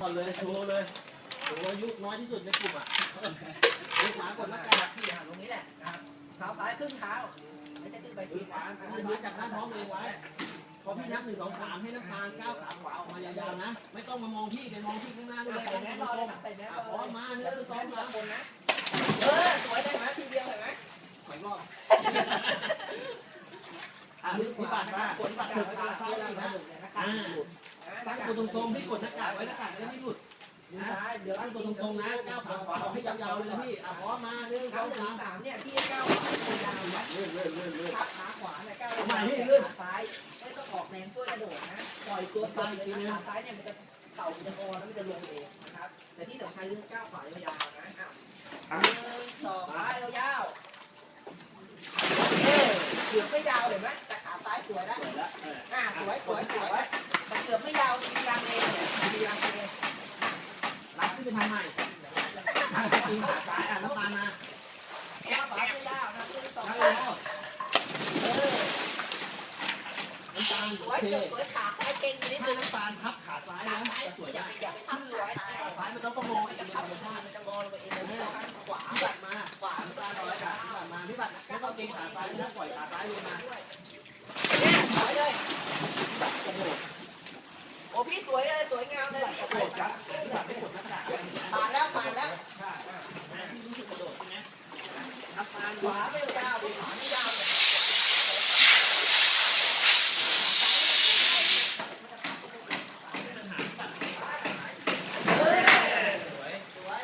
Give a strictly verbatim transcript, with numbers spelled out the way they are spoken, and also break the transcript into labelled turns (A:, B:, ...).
A: ก่อนเลยโชว์เลยโชว์อายุน้อยที่สุดในกลุ่มอ่ะมือขวากดหน้ากาก
B: ที่หันตรงนี้แหละนะครับเท้าซ้ายครึ่งเท้าไม่ใช่ขึ้นไป
A: มื
B: ที
A: อขวามือซ้ายจับหน้าท้องตัวเองไว้พอพี่นับหนึ่งสองสามให้น้ำตาลก้าวขาขวาออกมายาวๆนะไม่ต้องมามองพี่ไปมองที่ข้างหน้าด้วย
B: ใส่แมสรอเลยครับใส่แมสรอ
A: พร้อมมาหนึ่งสองสาม
B: คนนะเออสวยได้ไหมทีเดียวเห็นไหม
A: ไปรอบอ่ะพี่ปัดมาพี่ปัดถึงขาซ้ายแล้วนะอ่าตั้งตัวตรงๆพี่กดหน้ากากไว้หน้ากากจะได้ไม่หลุด
B: มือซ้ายเดี๋ยว
A: ตั้งตัวตรงๆนะก้าวขาขวาออกให้ยาวๆเลยนะพี่อ่ะพร้อมมาหนึ่งส
B: เท้า
A: อง
B: หนึ่
A: สาง ม
B: สามเนี่ยพี่ก้าวขวายาวนะ
A: เลื่อนเลื่อนเลื่อนเลื่อน
B: ขาขาขวาเนี่ยก้าวขาซ้ายไม่ต้องออกแรงช่วยกระโดดนะปล่อยตัวไปเลยขาซ้ายเนี่ยมันจะเข่าจะงอแล้วมันจะลงเองนะครับแต่ที่สำคัญเรื่องก้าวขวายาวๆนะอ่ะหนึ่งสองขวายาวๆเออเกือบไม่ยาวเห็นไหมแต่ขาซ้ายสวยแล้ว
A: สวยแล้วเออ
B: อ่าสวยสวยสวยแต่เกือบไม่ยาวมีรังเลเนี่ยมีรังเล
A: รับขึ้นไปทำใหม่ตีขาซ้ายอ่ะน้ำตาลมา
B: ก้าวขวายาวนะคือสอง
A: นั่ง
B: ขา
A: แล้ว
B: เออ
A: น้ำตาล
B: ส
A: โอ
B: วย
A: เค
B: เกือบสวยขาซ้ายเก่งนิด
A: ถ้า
B: นึง
A: น้ำตาลทับขาซ้าย
B: ขา
A: นะ
B: ซ้าย
A: จะสวย
B: อย่า
A: ได้
B: ไปอย่าไปทำสวย
A: ขาซ้ายมันต้องประมงอีก
B: จะ
A: เป็น
B: ทั
A: ธ
B: บ
A: รรมชาติ
B: มันจะงอลงไปเองเลยขวา
A: พี่บัตรมาขวาน้ำตาลร้อยขาพี่บัตรมาพี่บัตรไม่ต้องเกรงขาซ้ายนะปล่อยขาซ้ายลงมา
B: เนี่ยสวยเลยโอ้พี่สวยเลยสวยงามเลย
A: กระโดดครับพี่บัตรไม่กดหน้ากาก
B: ผ่านแล้วผ่านแล้ว
A: ใช่พี่รู้สึกกระโดดใช่ไหมน้ำตาล
B: ขวาไม่ยาวขวาไม่ยาว